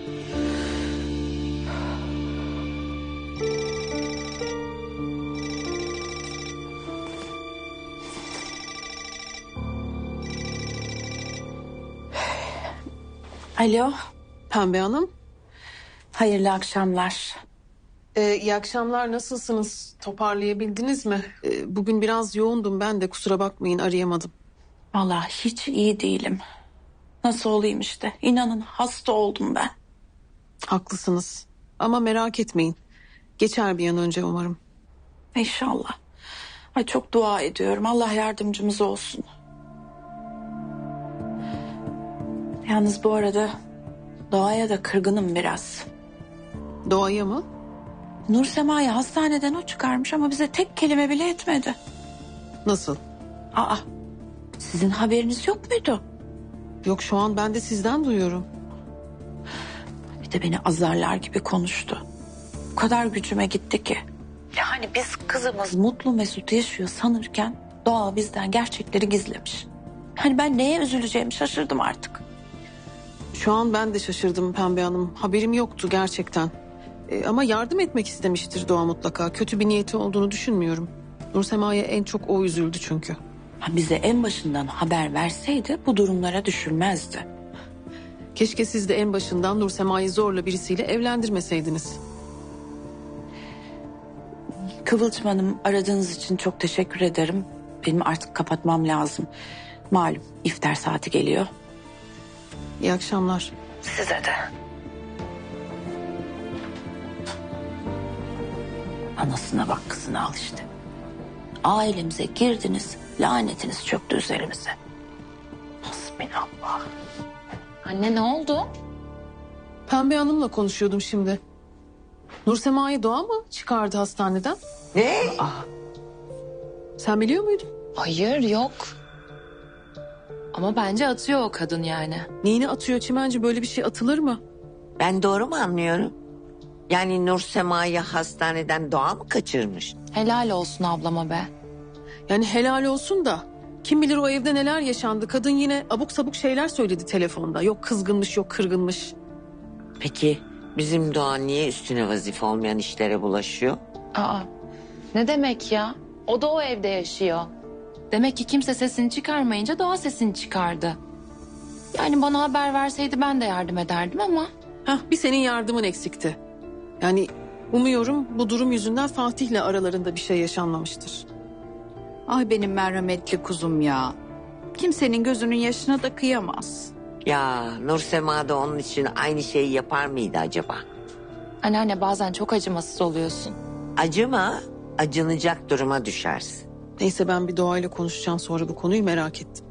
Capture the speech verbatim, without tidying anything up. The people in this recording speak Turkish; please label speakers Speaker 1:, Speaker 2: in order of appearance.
Speaker 1: Alo,
Speaker 2: Pembe Hanım.
Speaker 1: hayırlı akşamlar.
Speaker 2: Ee, iyi akşamlar, nasılsınız? Toparlayabildiniz mi? Ee, bugün biraz yoğundum ben de, kusura bakmayın, arayamadım.
Speaker 1: Vallahi hiç iyi değilim. Nasıl olayım işte? İnanın hasta oldum ben.
Speaker 2: Haklısınız ama merak etmeyin. Geçer bir an önce umarım.
Speaker 1: İnşallah. Ay çok dua ediyorum. Allah yardımcımız olsun. Yalnız bu arada Doğa'ya da kırgınım biraz.
Speaker 2: Doğaya mı?
Speaker 1: Nur Sema'yı hastaneden o çıkarmış ama bize tek kelime bile etmedi.
Speaker 2: Nasıl?
Speaker 1: Aa, sizin haberiniz yok muydu?
Speaker 2: Yok, şu an ben de sizden duyuyorum.
Speaker 1: Bir de beni azarlar gibi konuştu. O kadar gücüme gitti ki. Yani biz kızımız mutlu mesut yaşıyor sanırken Doğa bizden gerçekleri gizlemiş. Hani ben neye üzüleceğimi şaşırdım artık.
Speaker 2: Şu an ben de şaşırdım Pembe Hanım. Haberim yoktu gerçekten. Ee, ama yardım etmek istemiştir Doğa mutlaka. Kötü bir niyeti olduğunu düşünmüyorum. Nursema'ya en çok o üzüldü çünkü.
Speaker 1: Ha, bize en başından haber verseydi bu durumlara düşülmezdi.
Speaker 2: Keşke siz de en başından Nursema'yı zorla birisiyle evlendirmeseydiniz.
Speaker 1: Kıvılcım Hanım, aradığınız için çok teşekkür ederim. Benim artık kapatmam lazım. Malum iftar saati geliyor.
Speaker 2: İyi akşamlar.
Speaker 1: Size de. Anasına bak, kızına al işte. Ailemize girdiniz, lanetiniz çöktü üzerimize. Hasbinallah.
Speaker 3: Anne ne oldu?
Speaker 2: Pembe Hanım'la konuşuyordum şimdi. Nursema'yı Doğa mı çıkardı hastaneden?
Speaker 4: Ne?
Speaker 2: Sen biliyor muydun?
Speaker 3: Hayır yok. Ama bence atıyor o kadın yani.
Speaker 2: Neyini atıyor Çimenci, böyle bir şey atılır mı?
Speaker 4: Ben doğru mu anlıyorum? Yani Nur Sema'yı hastaneden Doğa mı kaçırmış?
Speaker 3: Helal olsun ablama be.
Speaker 2: Yani helal olsun da kim bilir o evde neler yaşandı. Kadın yine abuk sabuk şeyler söyledi telefonda. Yok kızgınmış, yok kırgınmış.
Speaker 4: Peki bizim Doğa niye üstüne vazife olmayan işlere bulaşıyor?
Speaker 3: Aa, ne demek ya? O da o evde yaşıyor. Demek ki kimse sesini çıkarmayınca Doğa sesini çıkardı. Yani bana haber verseydi ben de yardım ederdim ama...
Speaker 2: Hah, bir senin yardımın eksikti. Yani umuyorum bu durum yüzünden Fatih'le aralarında bir şey yaşanmamıştır.
Speaker 5: Ay benim merhametli kuzum ya. Kimsenin gözünün yaşına da kıyamaz.
Speaker 4: Ya Nur Sema da onun için aynı şeyi yapar mıydı acaba?
Speaker 3: Anneanne bazen çok acımasız oluyorsun.
Speaker 4: Acıma, acınacak duruma düşersin.
Speaker 2: Neyse, ben bir Doğa'yla konuşacağım sonra bu konuyu, merak ettim.